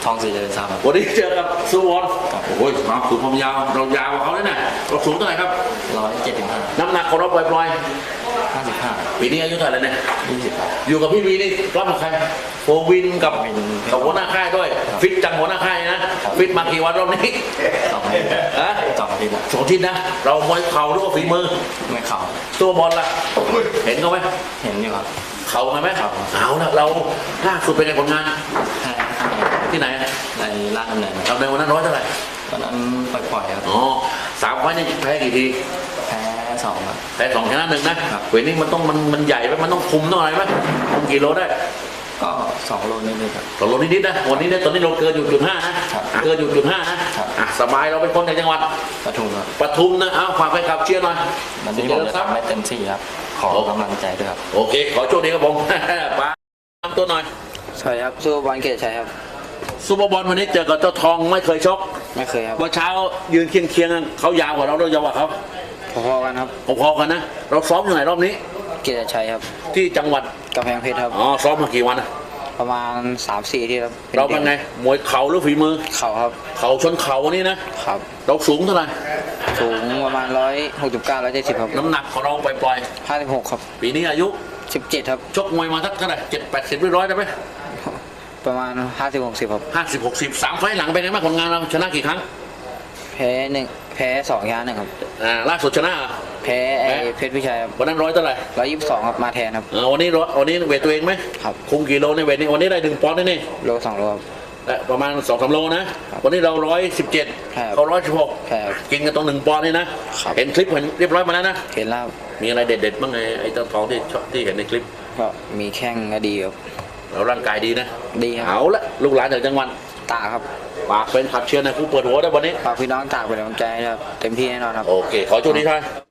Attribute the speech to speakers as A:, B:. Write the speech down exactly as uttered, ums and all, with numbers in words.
A: องสีเดินซ้ำ
B: วันนี้เจอกับสุวรรณโอ้ยมาสูงความยาวเรายาวกว่าเขาเลยนะเราสูงเท่าไหร่ครับ
A: ร้อยเจ็ดสิบห้า
B: น้ำหนักของเราปล่อย
A: ห้าสิบห้า
B: ๆปีนี้อายุเท่าไหร่เนี่ย
A: ยี่สิบครับ
B: อยู่กับพี่วีนี่รับกับใครโฟวินกับ
A: วิน
B: กับหัวหน้าค่ายด้วย ฟิตจังหัวหน้าค่ายนะฟิตมากี่วันรอบนี้
A: สองที
B: ฮะ
A: สองทีละ
B: สองทีนะเรามวยเข่าหรือว่าฝีมือ
A: ไม่เข่า
B: ตัวบอลล่ะเห็นเขาไหม
A: เห็นอยู่ครับ
B: เข่าไหมครับเอาละเราล่าสุดเป็นไงผลงาน
A: แพ้
B: ที่ไหน
A: ในล่างดำเนิน
B: เราในวันนั้นร้อยเท่าไหร่
A: ตอนนั้นปล่อยๆครับ
B: อ๋อสามไฟล์นี่แพ้กี่ที
A: แพ้สองครับ
B: แพ้สองชนะหนึ่งนะครับ เวทนี้มันต้องมันมันใหญ่ไหมมันต้องคุมต้องอะไรไหมคุมกี่โลได้
A: ก็สองโลนิดๆครับ
B: ต่อโลนิดๆนะวันนี้เนี่ยตอนนี้เราเกินอยู่จุดห้านะครับ เกินอยู่จุดห้านะครับ อ่ะสบายเราเป็นคนจากจังหวัด
A: ปทุมครับ
B: ปทุมนะเอาฝากไปขับเชียร์หน่อย
A: วันนี้ผมจะทำให้เต็มที่ครับขอกำลังใจด้วยครับ
B: โอเคขอโชคดีครับผม ป้าทำตัวหน่อย
A: สวัสดีครับสู้บอลเกตชัยครับ
B: ซูเปอร์บอลวันนี้เจอกับเจ้าทองไม่เคยชก
A: ไม่เคยครับ
B: เมื่อเช้ายืนเคียงเคียงๆเขายาวกว่าเราเรายาวกว่าเขา
A: พอๆกันครับ
B: พอๆกันนะเราซ้อมอยู่ไหนรอบนี้
A: เกตชัยครับ
B: ที่จังหวัด
A: กำแพงเพชรครับ
B: อ๋อซ้อมมากี่วันนะ
A: ประมาณสามสี่ที่ครับ
B: เราเป็นไงมวยเข่าหรือฝีมือ
A: เข่าครับ
B: เข่าชนเข่าวันนี้นะครับ เราสูงเท่าไหร่
A: สูงประมาณร้อยหกสิบเก้าร้อยเจ็ดสิบครับ
B: น้ำหนักของเราปล่อย
A: ห้าสิบหกครับ
B: ๆปีนี้อายุ
A: สิบเจ็ดครับ
B: ชกมวยมาสักเท่าไหร่เจ็ดแปดสิบร้อยได้ไหม
A: ประมาณห้าสิบหกสิบครับ
B: ห้าสิบหกสิบสามไฟล์หลังเป็นไงบ้างผลงานเราชนะกี่ครั้ง
A: แพ้หนึ่งแพ้สองยาหนึ่งครับ
B: อ่าล่าสุดชนะ
A: แพ้ไอ้เพชรพิชัยครับ
B: วันนั้นร้อยเท่าไหร่
A: ร้อยยี่สิบสองครับมาแทนครับ
B: เออวันนี้ร้อยวันนี้เวทตัวเองไหม
A: ครับ
B: คุมกี่โลในเวทนี้วันนี้ได้หนึ่งปอนด์นี่นี่
A: โลสองโลครับ
B: และประมาณสองสามโลนะ วันนี้เราร้อยสิบเจ็ด
A: ครับ
B: เขาร้อยสิบหก
A: ใช่ครับ
B: กินกันตรงหนึ่งปอนด์นี่นะครับ เห็นคลิปเห็นเรียบร้อยมาแล้วนะ
A: เห็นแล้วครับ
B: มีอะไรเด็ดๆบ้างไงไอ้เจ้าทองที่ชอบที่เห็นในคลิป
A: ก็มีแข้งก็ดีครับ
B: เราร่างกายดีนะ
A: ดีครับ
B: เอาละลูกหลานจากจังหวัด
A: ตากครับ
B: ฝากเป็นขับเชียร์นะผู้เปิดหัวได้วันนี้
A: ฝากพี่น้องตากเป็นกำลังใจนะครับเต็มที่แน่นอนครับ
B: โอเค ขอโชคดีครับ